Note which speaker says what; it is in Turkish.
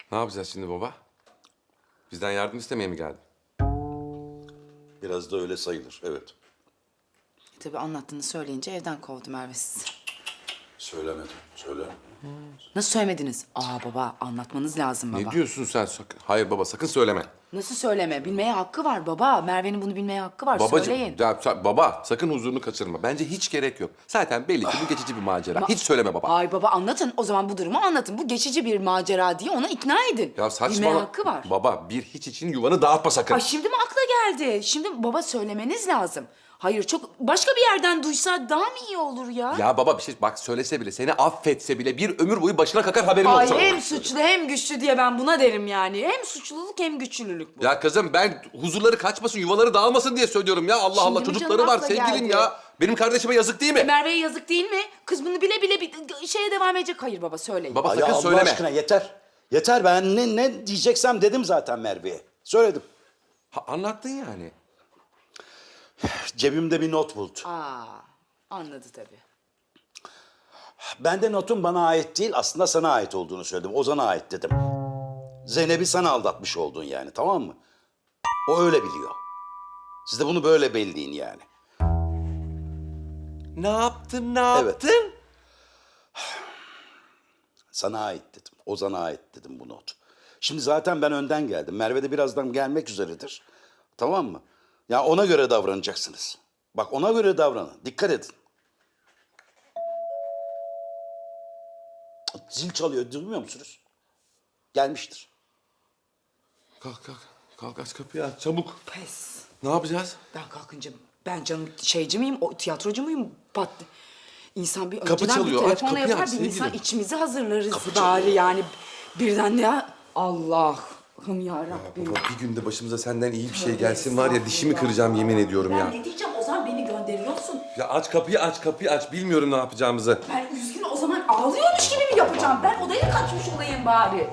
Speaker 1: Ne yapacağız şimdi baba? Bizden yardım istemeye mi geldin?
Speaker 2: Biraz da öyle sayılır, evet.
Speaker 3: Tabii anlattığını söyleyince evden kovdu Merve sizi.
Speaker 2: Söylemedim, söyle.
Speaker 3: Nasıl söylemediniz? Aa baba anlatmanız lazım baba.
Speaker 1: Ne diyorsun sen? Hayır baba sakın söyleme.
Speaker 3: Nasıl söyleme? Bilmeye hakkı var baba. Merve'nin bunu bilmeye hakkı var.
Speaker 1: Babacığım,
Speaker 3: Söyleyin.
Speaker 1: baba sakın huzurunu kaçırma. Bence hiç gerek yok. Zaten belli ki bu geçici bir macera. Hiç söyleme baba.
Speaker 3: Ay baba anlatın. O zaman bu durumu anlatın. Bu geçici bir macera diye ona ikna edin.
Speaker 1: Ya saçmalama.
Speaker 3: Bilmeye hakkı var.
Speaker 1: Baba bir hiç için yuvanı dağıtma sakın.
Speaker 3: Ay şimdi mi akla geldi? Şimdi baba söylemeniz lazım. Hayır çok başka bir yerden duysa daha mı iyi olur ya?
Speaker 1: Ya baba bir şey bak söylese bile seni affetse bile bir ömür boyu başına kakar haberin
Speaker 3: Ay
Speaker 1: olsun.
Speaker 3: hem suçlu hem güçlü diye ben buna derim yani. Hem suçluluk hem güçlülük bu.
Speaker 1: Ya kızım ben huzurları kaçmasın, yuvaları dağılmasın diye söylüyorum ya. Allah Allah
Speaker 3: Şimdi mi
Speaker 1: çocukları
Speaker 3: canım
Speaker 1: var
Speaker 3: akla
Speaker 1: sevgilim
Speaker 3: geldi?
Speaker 1: ya. Benim kardeşime yazık değil mi?
Speaker 3: Merve'ye yazık değil mi? Kız bunu bile bile bir şeye devam edecek. Hayır baba söyleyin.
Speaker 1: Baba
Speaker 2: Ay
Speaker 1: sakın
Speaker 2: Allah
Speaker 1: söyleme.
Speaker 2: aşkına yeter. Yeter, ben ne diyeceksem dedim zaten Merve'ye. Söyledim.
Speaker 1: Anlattın yani.
Speaker 2: Cebimde bir not buldu.
Speaker 3: Aa anladı tabii.
Speaker 2: Ben de notun bana ait değil, aslında sana ait olduğunu söyledim. Ozan'a ait dedim. Zeynep'i sana aldatmış oldun yani, tamam mı? O öyle biliyor. Siz de bunu böyle belleyin yani.
Speaker 1: Ne yaptın, ne
Speaker 2: Evet.
Speaker 1: yaptın?
Speaker 2: Sana ait dedim. Ozan'a ait dedim bu not. Şimdi zaten ben önden geldim. Merve de birazdan gelmek üzeredir. Tamam mı? Ya ona göre davranacaksınız. Bak ona göre davranın. Dikkat edin. Zil çalıyor. Duymuyor musunuz? Gelmiştir.
Speaker 1: Kalk kalk. Kalk aç kapıyı aç çabuk.
Speaker 3: Pes.
Speaker 1: Ne yapacağız?
Speaker 3: Ben kalkınca ben canım şeyci miyim, o tiyatrocu muyum? İnsan bir
Speaker 1: Kapı
Speaker 3: önceden
Speaker 1: çalıyor,
Speaker 3: bir
Speaker 1: aç
Speaker 3: telefonla
Speaker 1: kapıyı
Speaker 3: yapar,
Speaker 1: aç
Speaker 3: bir insan
Speaker 1: sevgilim.
Speaker 3: içimizi hazırlarız
Speaker 2: Kapı
Speaker 3: bari
Speaker 2: çalıyor.
Speaker 3: yani. Birden ya Allah'ım yarabbim.
Speaker 1: Baba bir günde başımıza senden iyi bir şey gelsin var ya dişimi kıracağım yemin ediyorum
Speaker 3: Ben
Speaker 1: ya.
Speaker 3: ne diyeceğim Ozan beni gönderiyorsun.
Speaker 1: Ya aç kapıyı aç kapıyı aç bilmiyorum ne yapacağımızı.
Speaker 3: Ben üzgün o zaman ağlıyormuş gibi mi yapacağım? Ben odaya kaçmış olayım bari.